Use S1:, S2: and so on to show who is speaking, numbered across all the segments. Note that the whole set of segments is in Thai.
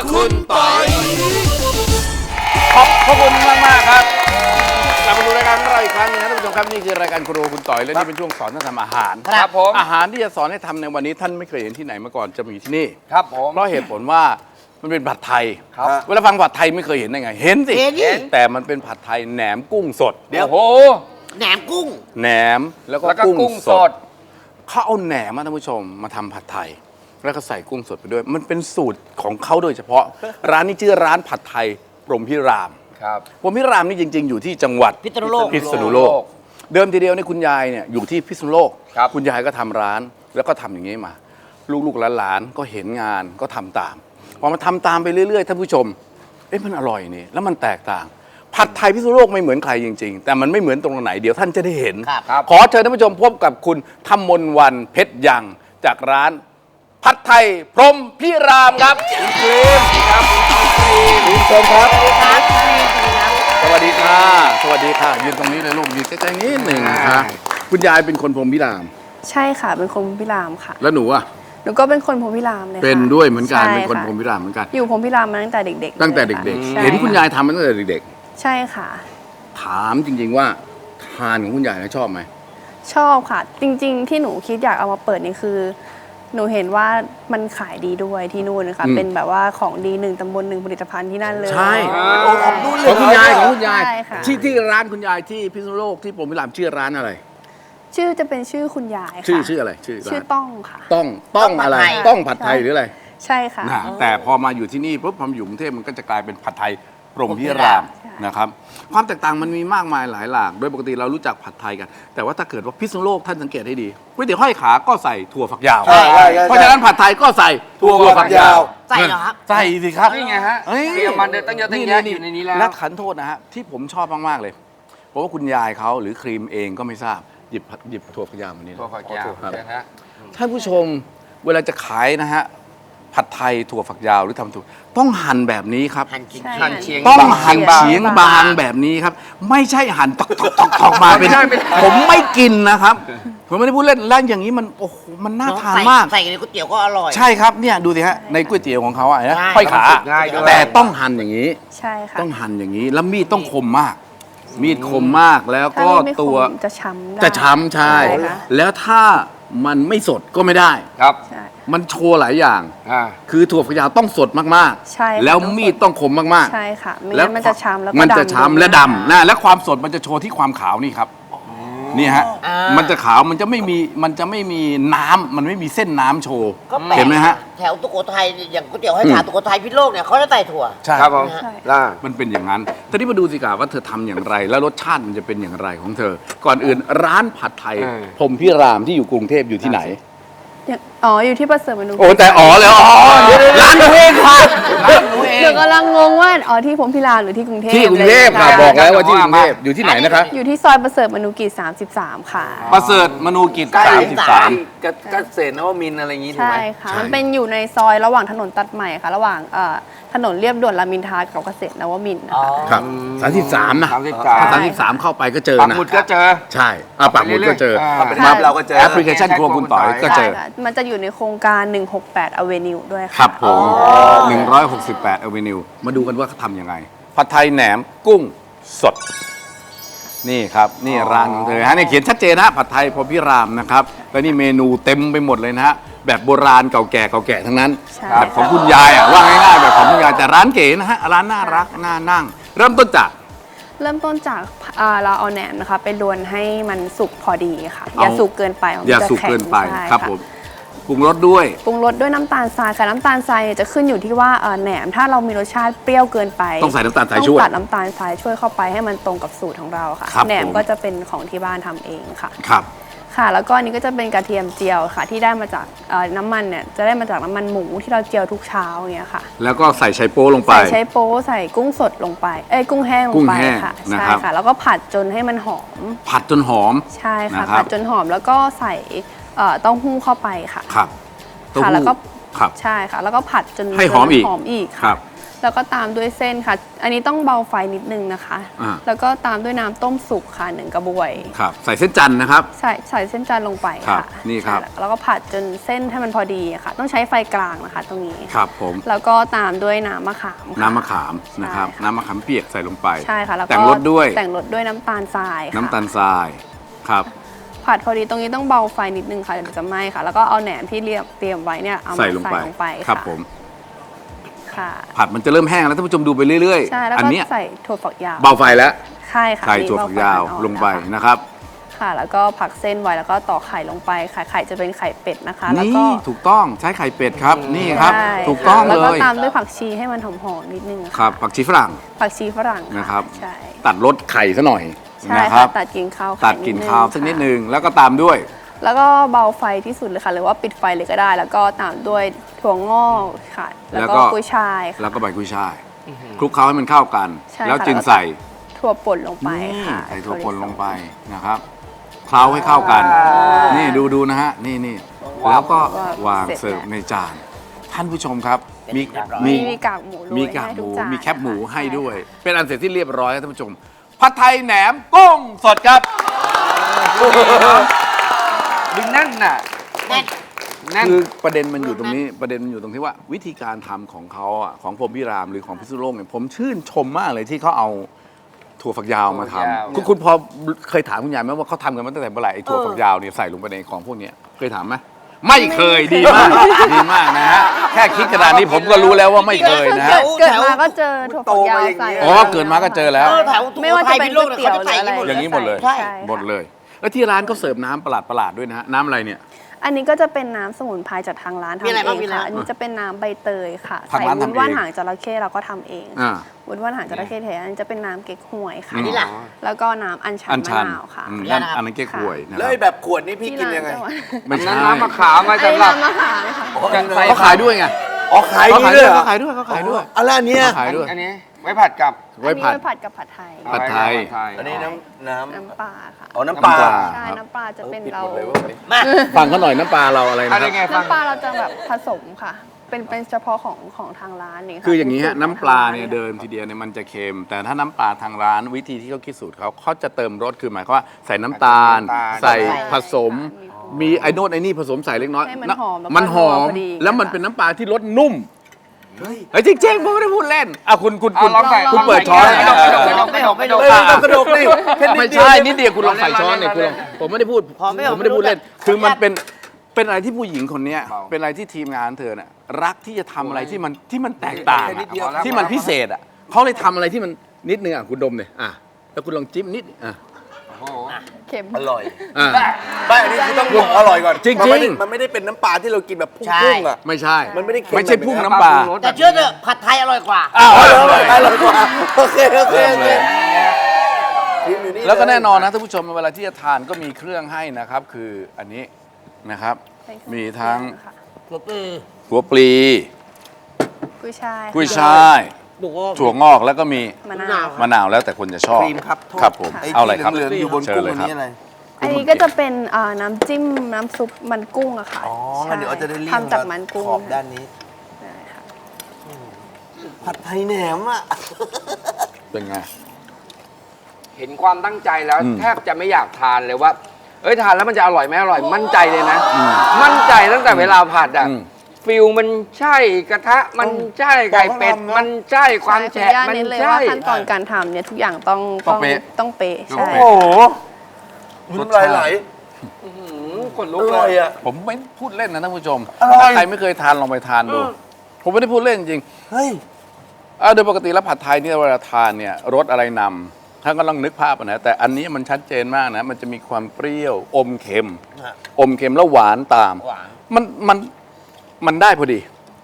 S1: คุณปอย
S2: ขอบคุณมากครับกลับมาดูรายการของเราอีกครั้งนึงนะท่านผู้ชมครับนี่คือรายการครัวคุณต่อยและนี่เป็นช่วงสอนท่านทำอาหาร
S1: ครับผม
S2: อาหารที่จะสอนให้ทำในวันนี้ท่านไม่เคยเห็นที่ไหนมาก่อนจะมีที่นี่
S1: ครับผม
S2: เพราะเหตุผลว่ามันเป็นผัดไทย
S1: ครับ
S2: เวลาฟังผัดไทยไม่เคยเห็นได้ไงเห็นสิ
S3: เห็นดิ
S2: แต่มันเป็นผัดไทยแหนมกุ้งสด
S1: โอ้โห
S3: แหนมกุ้ง
S2: แหนมแล้วก็
S1: แล้วก็
S2: กุ้
S1: กุ้
S2: ง
S1: ง
S2: ส
S1: ส
S2: ด
S1: ด
S2: เขาเอาแหนมท่านผู้ชมมาทำผัดไทย แล้วก็ใส่กุ้งสดไปด้วย มันเป็นสูตรของเขาโดยเฉพาะ ร้านนี้ชื่อร้านผัดไทยพรหมพิราม
S1: ครับ
S2: พรหมพิรามนี่จริง ๆ อยู่ที่จังหวัด
S3: พิษณุโลก
S2: พิษณุโลก เดิมทีเดียวเนี่ยคุณยายเนี่ยอยู่ที่พิษณุโลก
S1: ครับ
S2: คุณยายก็ทำร้านแล้วก็ทำอย่างนี้มา ลูกๆหลานๆก็เห็นงานก็ทำตามพอมาทำตามไปเรื่อยๆท่านผู้ชมเอ๊ะมันอร่อยนี่แล้วมันแตกต่าง ผัดไทยพิษณุโลกไม่เหมือนใครจริง ๆ แต่มันไม่เหมือนตรงไหนเดี๋ยวท่านจะได้เห็น
S1: ครับ
S2: ขอเชิญท่านผู้ชมพบกับคุณธมนต์วันเพชรยังจากร้าน ผัดไทยพรหมพิรามครับคุณครีมครับคุณครีมเชิญครับ สวัสดีค่ะ สวัสดีค่ะ ยืนตรงนี้เลยลูกยืนใกล้ๆนิดหนึ่งค่ะคุณยายเป็นคนพรหมพิราม
S4: ใช่ค่ะ เป็นคนพรหมพิรามค่ะ
S2: แล้วหนูอ่ะ
S4: หนูก็เป็นคนพรหมพิรามเลยค่ะ
S2: เป็นด้วยเหมือนกัน
S4: ใช่
S2: เป็นคน
S4: ค่ะ
S2: พรหมพิรามเหมือนกัน
S4: อยู่พรหมพิรามมาตั้งแต่เด็กๆ
S2: ตั้งแต่
S4: ลย
S2: เด็ก
S4: ค่ะ
S2: ๆ เห็นคุณยายทำมาตั้งแต่เด็ก
S4: ใช่ค่ะ
S2: ๆ ถามจริง ๆว่าทานของคุณยายชอบไหม
S4: ชอบค่ะ จริง ๆ ที่หนูคิดอยากเอามาเปิดนี่คือ หนูเห็นว่ามันขายดีด้วยที่นู่นนะคะเป็นแบบว่าของดี1 ตำบล 1 ผลิตภัณฑ์ที่นั่นเลย
S2: ใช่
S3: ของนู่นเลย
S2: ของคุณยายของคุณยาย
S4: ใช่ค่ะ
S2: ที่ร้านคุณยายที่พิษณุโลกที่พรหมพิรามชื่อร้านอะไร
S4: ชื่อจะเป็นชื่อคุณยายค่ะ
S2: ชื่ออะไรชื่อ
S4: ชื่อ
S2: ร้าน
S4: ต้องค่ะ
S2: ต้องอะไร ต้องผัดไทยหรืออะไร
S4: ใช่ค่ะ
S2: นะแต่พอมาอยู่ที่นี่ปุ๊บพอมาอยู่กรุงเทพมันก็จะกลายเป็นผัดไทยพรหมพิราม
S4: ใช่
S2: นะครับความแตกต่างมันมีมากมายหลายหลากโดยปกติเรารู้จักผัดไทยกัน แต่ว่าถ้าเกิดว่าพิษณุโลกท่านสังเกตให้ดีก๋วยเตี๋ยวห้อยขาก็ใส่ถั่วฝักยาว
S3: ใช่ใช่ใช่
S2: เพราะฉะนั้นผัดไทยก็ใส่ถั่วฝักยาว
S3: ใส่เหรอครับ
S2: ใส่สิครับ
S1: นี่ไงฮะ
S2: เอ้ย
S1: เตรียมมันเดินตั้งเยอะตั้งแยะอยู่ในนี้แล้ว
S2: และขันโทษนะฮะที่ผมชอบมากๆเลยเพราะว่าคุณยายเขาหรือครีมเองก็ไม่ทราบหยิบถั่วฝักยาวมานี่นะ
S1: ตัวฝักยาว
S2: ครับ
S1: เชิญฮะ
S2: ท่านผู้ชมเวลาจะขายนะฮะผัดไทยถั่วฝักยาวหรือทำถั่วต้องหั่นแบบนี้ครับ
S3: หั่นกิน
S4: ใช่
S1: หั่นเฉียง
S2: ต้อง
S1: บาง
S2: หั่น
S1: บาง
S2: เฉียงบางแบบนี้ครับ ไม่ใช่หั่นตอกมาเป็น
S1: ไม่ได้
S2: ผมไม่กินนะครับ ผมไม่ได้พูดเล่นแล้วอย่างนี้มันโอ้โหมันน่าทานมาก
S3: ใส่ในก๋วยเตี๋ยวก็อร่อย
S2: ใช่ครับเนี่ยดูสิฮะในก๋วยเตี๋ยวของเขาอะนะ
S3: ใช่
S2: ค่อยขา
S1: ง่ายด้วย
S2: แต่ต้องหั่นอย่างนี้
S4: ใช่ค่ะ
S2: ต้องหั่นอย่างนี้แล้วมีดต้องคมมาก มีดคมมากแล้ว
S4: ถ้า
S2: ก็
S4: มีไม่คม
S2: ตัว
S4: จะช้ำได้
S2: จะช้ำใช่
S4: ใช่ค่ะ
S2: แล้วถ้ามันไม่สดก็ไม่ได้
S1: ครับ
S4: ใช่
S2: มันโชว์หลายอย่าง
S1: อ่า
S2: คือถั่วฝักยาวต้องสดมาก
S4: ใช่ค่ะ
S2: แล้วมีดต้องคมมากๆ
S4: ใช่ค่ะ ไม่งั้นมันจะช้ำแล้วก็
S2: มันจะ
S4: ดำ
S2: ช้ำและดำนะและความสดมันจะโชว์ที่ความขาวนี่ครับนี่ฮะ
S3: อ่า
S2: มันจะขาวมันจะไม่มีน้ำมันไม่มีเส้นน้ำโชว์
S3: ก็แปลก
S2: เห็นไหมฮะ
S3: แถวตุโกไทยอย่างก๋วยเตี๋ยวให้ขาตุโกไทยพิษณุโลกเนี่ยเขาจะใส่ถั่ว
S2: ใช่
S1: ครับผม
S4: ใช่
S1: ล่า
S2: มันเป็นอย่างนั้นทีนี้มาดูสิกาว่าเธอทำอย่างไร แล้วรสชาติมันจะเป็นอย่างไรของเธอ ก่อนอื่นร้านผัดไทยพรหมพิรามที่อยู่กรุงเทพอยู่ที่ไหน
S4: อยู่ที่ประเสริฐมนุษย์
S2: โอ้แต่อ๋อแล้วอ๋อร้านหนูเองค่ะร้านหนูเอง
S4: เดี๋ยวกำลังงงว่าที่พรหมพิรามหรือที่กรุงเทพ
S2: ที่กรุงเทพค่ะ
S4: ลย
S2: บอกแล้วว่าที่กรุงเทพอยู่ที่ไหนนะคะ
S4: อยู่ที่ซอยประเสริฐมนุกิจ33 ค่ะ
S2: ประเสริฐมนูกิจ
S3: ใกล้
S2: 33
S1: เกษตรนวมินทร์อะไรอย่างงี้ถูก
S4: ใช่
S1: ไหม
S4: ค่ะ
S2: ใช่
S4: มันเป็นอยู่ในซอยระหว่างถนนตัดใหม่ค่ะ ระหว่างถนนเรียบด่วนรามอินทรากับเกษตรนวมินทร์นะ
S3: อ๋อ
S4: คะ
S2: ครับ33นะ
S1: 33
S2: ถ้า33เข้าไปก็เจอ
S1: ปัก
S2: นะ
S1: หมุดก็เจอ
S2: ใช่ปักหมุดก็เจอ
S1: เข้าไป
S4: ใช่
S1: เราก็เจอ
S2: แอปพลิเคชันครัวคุณต่อยก็เจอ
S4: ใช่ค่ะมันจะอยู่ในโครงการ 168 Avenue ด้วยค่ะ
S2: ครับผม168 Avenue มาดูกันว่าเขาทำยังไง ผัดไทยแหนมกุ้งสด นี่ครับ นี่ร้านของเธอฮะนี่เขียนชัดเจนนะผัดไทยพรหมพิรามนะครับ แล้วนี่เมนูเต็มไปหมดเลยนะฮะ แบบโบราณเก่าแก่ทั้งนั้น
S4: ใช่
S2: แบบของคุณยายว่าง่ายๆแบบของคุณยายแต่ร้านเก๋นะฮะ ร้านน่ารักน่านั่ง เริ่มต้นจาก
S4: เริ่มต้นจากเราเอาแหนมนะคะไปลวนให้มันสุกพอดีค่ะ อย่าสุกเกินไปมัน
S2: อย่า
S4: จะ
S2: สุก
S4: แข็ง
S2: เกินไป
S4: ใช่
S2: ครับ
S4: ะ
S2: ผมปรุงรสด้วย
S4: ปรุงรสด้วยน้ำตาลทรายค่ะน้ำตาลทรายเนี่ยจะขึ้นอยู่ที่ว่าแหนมถ้าเรามีรสชาติเปรี้ยวเกินไป
S2: ต้องใส่น้ำตาลทราย
S4: ต้อง
S2: ช่วย
S4: ตัดน้ำตาลทรายช่วยเข้าไปให้มันตรงกับสูตรของเราค่ะ
S2: ครับ
S4: แหนม
S2: ผม
S4: ก็จะเป็นของที่บ้านทำเองค่ะ
S2: ครับ
S4: ค่ะ แล้วก็อันนี้ก็จะเป็นกระเทียมเจียวค่ะ ที่ได้มาจากน้ำมันเนี่ยจะได้มาจากน้ำมันหมูที่เราเจียวทุกเช้าอย่างเงี้ยค่ะ
S2: แล้วก็ใส่ไชโป๊ลงไป
S4: ใส่ใช้โป๊ใส่กุ้งสดลงไปกุ้งแห้งล
S2: กุ้
S4: ง
S2: ง
S4: ไป
S2: แห้ง
S4: ค่ะ
S2: นะ
S4: ใช่
S2: ครับ
S4: ค่ะ แล้วก็ผัดจนให้มันหอม
S2: ผัดจนหอม
S4: ใช่ค่ะ
S2: นะครับ
S4: ผัดจนหอมแล้วก็ใส่เต้าหู้เข้าไปค่ะ
S2: ครับเต้า
S4: ค่ะ
S2: หู้
S4: แล้วก็
S2: ครับ
S4: ใช่ค่ะ แล้วก็ผัดจน
S2: ให้หอมอีก
S4: หอมอีก
S2: ครั
S4: ค่ะ
S2: บ
S4: แล้วก็ตามด้วยเส้นค่ะ อันนี้ต้องเบาไฟนิดนึงนะคะ แล้วก็ตามด้วยน้ำต้มสุกค่ะ1กระบวย
S2: ครับใส่เส้นจันทร์นะครับ
S4: ใส่เส้นจันทร์ลงไป
S2: ครั
S4: ค่ะ
S2: บนี่ครับ
S4: แล้วก็ผัดจนเส้นให้มันพอดีค่ะ ต้องใช้ไฟกลางนะคะ ตรงนี้
S2: ครับผม
S4: แล้วก็ตามด้วยน้ำมะขามค่ะ
S2: น้ำมะขามนะครับ
S4: ใช่ค่ะ
S2: น้ำมะขามเปียกใส่ลงไป
S4: ใช่ค่ะแล้วก็
S2: แต่งรสด้วย
S4: แต่งรสด้วยน้ำตาลทรายค่ะ
S2: น้ำตาลทรายครับ
S4: ผัดพอดีตรงนี้ต้องเบาไฟนิดนึงค่ะเดี๋ยวจะไหม้ค่ะ แล้วก็เอาแหนมที่เตรียมไว้เนี่ยเอามา
S2: ใส่ลง
S4: ใส่
S2: ไป
S4: ลงไป
S2: ครับ
S4: ค่ะ
S2: ผม
S4: ค่ะ
S2: ผัดมันจะเริ่มแห้งแล้วท่านผู้ชมดูไปเรื่อย
S4: ใช่แล้ว
S2: อัน
S4: ก็
S2: เนี้ย
S4: ใส่ถั่วฝักยาว
S2: เบาไฟแล้ว
S4: ใช่ค่ะ
S2: ใส่
S4: นี่
S2: ถั่ว
S4: เบ
S2: ฝักยาว
S4: ฟอ่อนๆ
S2: ลงไป
S4: นะคะ
S2: นะครับ
S4: ค่ะ แล้วก็ผักเส้นไว้แล้วก็ต่อกไข่ลงไปไข่จะเป็นไข่เป็ดนะคะ แล้วก็
S2: นี่ถูกต้องใช้ไข่เป็ดครับนี่ครับ
S4: ใช่
S2: ถูกต้อง
S4: แล้ว
S2: เล
S4: ก็
S2: ย
S4: ตามด้วยผักชีให้มันหอมๆนิดนึงะ
S2: ครับผักชีฝรั่ง
S4: ผักชีฝรั่ง
S2: นะครับ
S4: ใช่
S2: ตัดรสไข่ซะหน่อย
S4: ใช่
S2: นะค
S4: ค่ะ
S2: รับ
S4: ตัดกลิ่นข้าวไข่
S2: ตัดกลิ่นข้าวสักนิด
S4: ค่ะ
S2: นึงแล้วก็ตามด้วย
S4: แล้วก็เบาไฟที่สุดเลยค่ะ หรือว่าปิดไฟเลยก็ได้ แล้วก็ตามด้วยถั่วงอกค่ะ แล้วก็กุ้ยช่ายค่ะ
S2: แล้วก็ใบกุ้ยช่ายคลุกเคล้าให้มันเข้ากัน
S4: ใช่
S2: แล้ว
S4: ค่ะ
S2: จึง
S4: แล้วก็
S2: ใส่
S4: ถั่วป่นลงไป
S2: นี่
S4: ค่ะ
S2: ใส่ถั่วป่นลงไปนะครับเคล้าให้เข้ากัน นี่ดูนะฮะนี่แล้วก็วางเสิร์ฟในจาน ท่านผู้ชมครับ มี
S4: มีกากหมูโรย
S2: มีกาก
S4: ให้
S2: ห
S4: ทุ
S2: มู
S4: จาน
S2: มีแคบหมู
S4: ค่ะ
S2: ให้ด้วย
S4: ใช่
S2: เป็นอันเสร็จที่เรียบร้อยแล้วท่านผู้ชม ผัดไทยแหนมกุ้งสดครับ
S1: ดึงแน่นน่ะ
S3: แน่น
S1: แน่น
S2: คือประเด็นมันอยู่ตรงนี้ประเด็นมันอยู่ตรงที่ว่าวิธีการทำของเขาอ่ะของพรหมพิรามหรือของพิษณุโลกเนี่ยผมชื่นชมมากเลยที่เขาเอาถั่วฝักยาวมาท
S1: ถั่วฝักยาว
S2: ำคุณพอเคยถามคุณยายไหมว่าเขาทำกันมาตั้งแต่เมื่อไหร่ไอ้ถั่วฝักยาวเนี่ยใส่ลงไปในของพวกเนี้ยเคยถามไหมไม่เคยดีมากดีมากนะฮะแค่คิดขนาดนี้ผมก็รู้แล้วว่าไม่เคยนะฮะ
S4: เกิดมาก็เจอถั่วฝักยาวใส่
S2: อ๋อเกิดมาก็เจอแล้ว
S3: แถว
S4: ไม่ว่าจะเป็นก๋วยเตี๋ยวหรืออะไร
S2: อย่างนี้หมดเลย
S3: ใช่
S2: หมดเลย แล้วที่ร้านก็เสิร์ฟน้ำประหลาดๆด้วยนะฮะน้ำอะไรเนี่ย
S4: อันนี้ก็จะเป็นน้ำสมุนไพรจากทางร้านทำ
S3: มีอะไร
S4: เอ
S3: บ้าง
S4: ง
S3: มีอะไร
S4: ค่ะ
S3: บ้าง
S4: อันนี้จะเป็นน้ำใบเตยค่ะ
S2: ทาง
S4: ใส่
S2: ร้าน
S4: วุ้น
S2: ทำเอง
S4: ว่านหางจระเข้เราก็ทำเอง
S2: อ่า
S4: วุ้นว่านหางจระเข้แท้อันนี้จะเป็นน้ำเก๊กฮวยค่ะ
S3: อันนี้ล่ะ
S4: แล้วก็น้ำอัญชัน
S2: อัน
S4: มะ
S2: ชัน
S4: นาวค่ะ
S2: นั่นอันนั้นเก๊กฮวยนะค
S5: แล้ว
S2: รับ
S5: ไอ้แบบขวดนี่พี่กินยังไง
S2: ไม่ใช่
S1: น้ำมะขามไว้
S4: อันนี้
S1: สำหรับ
S4: น้ำมะขามค่ะ
S2: เขาขายด้วยไง
S5: อ๋อขาย
S2: เขา
S5: นี่
S2: ขาย
S5: เล
S2: ด้วย ย
S5: เหรอ
S2: เขาขายด้วยเขาขายด้วย
S5: อะไรอันเนี้ย
S2: เขาขายด้วย
S1: อันนี้ไว้ผัดกับ
S2: ไว้
S4: อันนี้
S2: ผัด
S4: ไว้ผัดกับผัดไทย
S2: ผัดไทย
S5: อันนี้น้ำ
S4: น้ำปลาค่ะ
S5: อ๋อน้ำปลา
S2: น้ำปลา
S4: ใช่น้ำปลาจะเป็น
S5: ผิด
S4: เรา
S5: หมดเลยเว้ย
S3: มา
S2: ฟังเขาหน่อยน้ำปลาเราอะไรนะ
S1: อะไร
S2: ครับ
S1: ไงฟัง
S4: น้ำปลาเราจะแบบผสมค่ะ เป็นเฉพาะของทางร้านนี่ค่ะ
S2: คืออย่างนี้ฮะ
S4: สูตรข
S2: น้ำปลาเนี่ย
S4: ทงร้
S2: เดิมทีเดียวเนี่ยมันจะเค็ม แต่ถ้าน้ำปลาทางร้านวิธีที่เขาคิดสูตรเขาจะเติมรสคือหมายความว่าใส่น้ำตาล ใส่ผสม มีไอ้โน่นไอ้นี่ผสมใส่เล็กน้อย
S4: ให้มันหอมแล้วก็
S2: มันหอม
S4: นัวพอดี
S2: แล้วมันเป็นน้ำปลาที่รสนุ่มเฮ้ยจริงๆผมไม่ได้พูดเล่นอ่ะคุณ
S1: เอาลองใส่
S2: คุณเปิดช้อน
S1: ไม่ต้องไม่ต้องไม่ต้อง
S5: เอ้ยต้องกระดกนี่แค่นิ
S2: ไม่
S5: ดเดียว
S2: ใช่นิดเดียวคุณลองใส่ช้อนเนี่ยคุณลองผมไม่ได้พูด
S3: พอไม่เอา
S2: ผมไม่ได้พูดเล่น
S3: ไม่รู้
S2: คือมันเป็นอะไรที่ผู้หญิงคนเนี้ยเป็นอะไรที่ทีมงานเธอน่ะรักที่จะทำอะไรที่มันแตกต่างอะที่มันพิเศษอ่ะเขาเลยทำอะไรที่มันนิดนึงอ่ะคุณดมเลยอ่ะแล้วคุณลองจิ้มนิดอ่ะ
S4: เค็ม
S5: อร่อย
S2: อ่ะ
S5: ไม่อันนี้คือต้องบอกอร่อยก่อน
S2: จริงๆ
S5: มันไม่ได้เป็นน้ำปลาที่เรากินแบบพุ่
S3: ใช่
S5: งๆอ่ะ
S2: ไม่ใช่
S5: มันไม่ได้เค็ม
S2: ไม่ใช่พุ่งน้ำปลา
S3: แต่เชื่อเถอะผัดไทยอร่อยกว่า
S2: อ้าว
S5: อ๋อ
S2: อ
S5: อ
S2: ร่
S5: ร่
S2: อ
S5: อย ยอร่อยกว่าโอเคโอเคโอเคพิมพ์อยู่นี่
S2: แล้วก็แน่นอนนะท่านผู้ชมเวลาที่จะทานก็มีเครื่องให้นะครับ คืออันนี้นะครับ มีทั้ง
S4: ค่ะ
S2: หัวปลี
S4: กุ้ยช่าย
S2: กุ้ยช่ายถั่วงอกแล้วก็มี
S4: มะนาว
S2: มะนาวแล้วแต่คนจะชอบ
S5: ครีมครับโทษ
S2: ครับผม
S5: ไอ้
S2: เอาอะไรครับ
S5: ที่เหลืองๆอยู่บน
S2: เชิ
S5: กุ้
S2: ญ
S5: ง
S2: เลย
S5: อัน
S2: ครับ
S5: นี้อะไร
S4: อันนี้ก็จะเป็นน้ำจิ้มน้ำซุปมันกุ้งอะค่ะ
S5: อ๋อ
S4: ใช่
S5: เดี๋ยวเราจะได้เรียก
S4: ทำจากมันกุ้ง
S5: ขอบด้านนี้
S4: ใช่ค่ะ
S5: ผัดไทยแหนมอ่ะ
S2: เป็นไง
S1: เห็นความตั้งใจแล้ว
S2: อืม
S1: แทบจะไม่อยากทานเลยว่า เอ้ยทานแล้วมันจะอร่อยไหมอร่อยมั่นใจเลยนะ มั่นใจตั้งแต่เวลาผัดอ่ะ
S2: อืม
S1: ฟิลมันใช่กระทะมันใช่ไข่เป็ด
S5: บอกเขาทำนะ
S1: มันใช่ความ
S4: ใช่
S1: แฉะ
S4: ขออ
S1: มัน
S4: ญาตเน้นเลย
S1: ใช่
S4: ว่าขั้นตอนการทำเนี่ยทุกอย่างต้อง
S2: ต้องเป๊ะ
S4: ต้องเป๊ะใช่
S5: โอ้โหน้ำลายไหล
S1: ขนลุ
S5: อก
S1: เล
S5: ร่อย
S1: ย
S5: อ่ะ
S2: ผมไม่พูดเล่นนะท่านผู้ชม
S5: อร่อย
S2: ถ้าใครไม่เคยทานลองไปทานดู ผมไม่ได้พูดเล่นจริง
S5: เฮ้ย
S2: โดยปกติแล้วผัดไทยเนี่ยเวลาทานเนี่ยรสอะไรนำท่านก็ลองนึกภาพนะแต่อันนี้มันชัดเจนมากนะมันจะมีความเปรี้ยวอมเค็ม
S5: ฮะ
S2: อมเค็มแล้วหวานตาม
S5: หวาน
S2: มันได้พอดี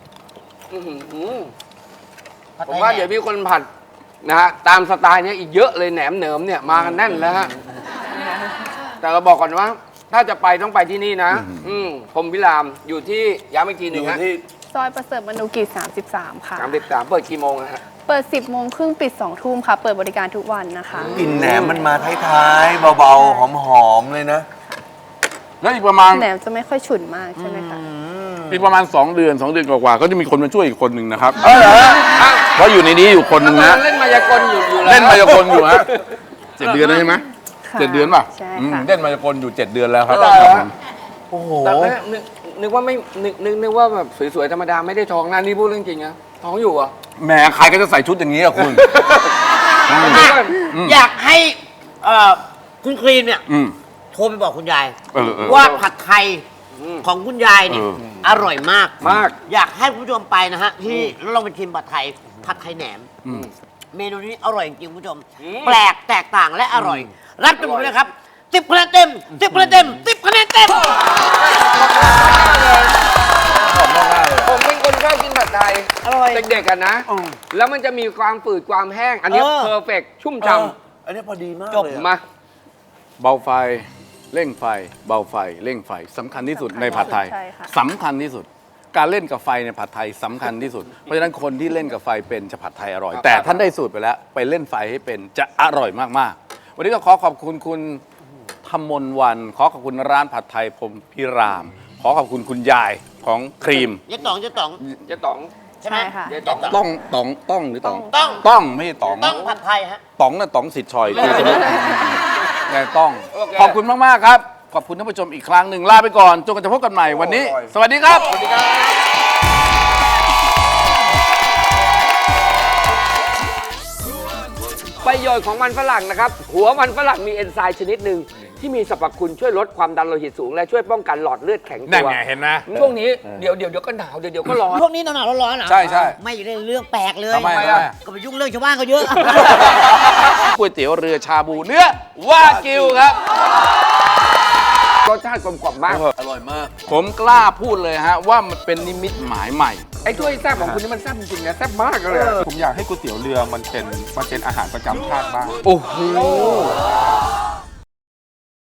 S1: ผมว่าเดี๋ยวมีคนผัดนะฮะตามสไตล์เนี้ยอีกเยอะเลยแหนมเหนิมเนี่ยมากันแน่นแล้วฮะแต่เราบอกก่อนว่า ถ้าจะไปต้องไปที่นี่นะพรหมพิรามอยู่ที่ย้ำอีกทีห
S5: อ
S1: นึ่ง
S5: ยู่
S1: ฮะ
S5: ที่
S4: ซอยประเสริฐมนุกิจ33 ค่ะ
S1: 33เปิดกี่โมงนะฮะ
S4: เปิด 10 โมงครึ่งปิด 2 ทุ่มค่ะ เปิดบริการทุกวันนะคะ
S5: กลิ่นแหนมมันมาท้ายๆเบาๆหอมๆเลยนะ
S2: แล้วอีกประมาณ
S4: แหนมจะไม่ค่อยฉุนมากใช่ไหมคะ
S5: อืม
S2: อีกประมาณ 2 เดือน 2 เดือนกว่าๆก็จะมีคนมาช่วยอีกคนหนึ่งนะครับ
S1: เออเหรออ้าว
S2: เพราะอยู่ในนี้อยู่คนหนึ่งนะ
S1: เล่นมายากลอยู่แล้ว
S2: เล่นมายากลอยู่ฮะ7 เดือนแล้วใช่ไหม
S4: ค่ะ
S2: 7 เดือนป่ะ
S4: ใช่
S2: อืม
S4: ค่ะ
S2: เล่นมายากลอยู่ 7 เดือนแล้วครับ
S1: เหรอ
S2: ครับผม
S5: โอ้โห
S1: แต่นึกว่าไม่นึกว่าแบบสวยๆธรรมดาไม่ได้ท้องนะนี่พูดเรื่องจริงนะท้องอยู่เหรอ่ะ
S2: แหมใครก็จะใส่ชุดอย่างนี้อะคุณ
S3: อยากให้คุณครีมเนี่ย
S2: อืม
S3: โทรไปบอกคุณยาย
S2: เออ
S3: ว่าผัดไทยของคุณยายเนี่ย
S2: เออ
S3: อร่อยมาก
S1: มาก
S3: อยากให้คุณผู้ชมไปนะฮะ ที่แล้วลองไปชิมผัดไทยแหนม เมนูนี้อร่อยจริงๆคุณผู้ชม แปลกแตกต่างและอร่อย รับกันหมดเลยครับ10 คะแนนเต็ม10 คะแนนเต็ม10 คะแนนเต็ม
S1: ผมเป็นคนชอบกินผัดไทย
S3: อร่อย
S1: เด็กๆกันนะ แล้วมันจะมีความฝืดความแห้ง อันนี้
S3: เออ
S1: เพอร์เฟกชุ่มฉ่
S5: อันนี้พอดีมาก
S3: จบ
S5: เลยอะ
S1: ำมา
S2: เบาไฟเร่งไฟ เบาไฟเร่งไฟสำคัญที่สุดในผัดไทย
S4: ใช่ค่ะ
S2: สำคัญที่สุด การเล่นกับไฟในผัดไทยสำคัญที่สุด เพราะฉะนั้นคนที่เล่นกับไฟเป็นจะผัดไทยอร่อย แต่ท่านได้สูตรไปแล้ว ไปเล่นไฟให้เป็นจะอร่อยมากๆ วันนี้ต้องขอขอบคุณคุณธมนวัน ขอขอบคุณร้านผัดไทยพรหมพิราม ขอขอบคุณคุณยายของครีม
S3: เจ๊ต๋อง
S1: เจ๊ต๋อง
S3: ใช่ไหม
S4: ใช่ค่ะ
S1: เจ๊ต๋อง
S2: ต้องหรือต๋อง
S3: ต้อง
S2: ต้องไม่ใช่ต๋อง
S3: ต้องผัดไทยฮะ
S2: ต๋องน่ะต๋องสิทธิ์ชอยคือจะไม่ไงต้อง
S1: โอเค
S2: ขอบคุณมาก ๆ ครับ ขอบคุณท่านผู้ชมอีกครั้งหนึ่งลาไปก่อนจนกว่าจะพบกันใหม่วันนี้ สวัสดีครับ
S1: ประโยชน์ของมันฝรั่งนะครับ หัวมันฝรั่งมีเอนไซม์ชนิดหนึ่งที่มีสรรพคุณช่วยลดความดันโลหิตสูง และช่วยป้องกันหลอดเลือดแข็ง
S2: นั่
S1: ตั
S2: น
S1: ว
S2: ไงเห็นไหม
S1: ช่วงนี้เดี๋ยวก็หนาวเดี๋ยวก็ร้อน
S3: พวกนี้หนาวๆร้อนๆเหรอ
S2: ใช่ใช่
S3: ไม่อยู่ในเรื่องแปลกเลย
S2: ทำไมอะ
S3: ก็ไปยุ่งเรื่องชาวบ้านเขาเยอะ
S2: ก๋วยเตี๋ยวเรือชาบูเนื้อวากิวครับ
S1: รสชาติกลมกล่อมมาก
S5: อร่อยมาก
S2: ผมกล้าพูดเลยฮะว่ามันเป็นนิมิตหมายใหม่
S1: ไอ้ถ้วยแซ่บของคุณนี่มันแซ่บจริงๆนะแซ่บมากเลยอะ
S6: ผมอยากให้ก๋วยเตี๋ยวเรือมันเป็นอาหารประจำชาติบ้าง
S2: โอ้โห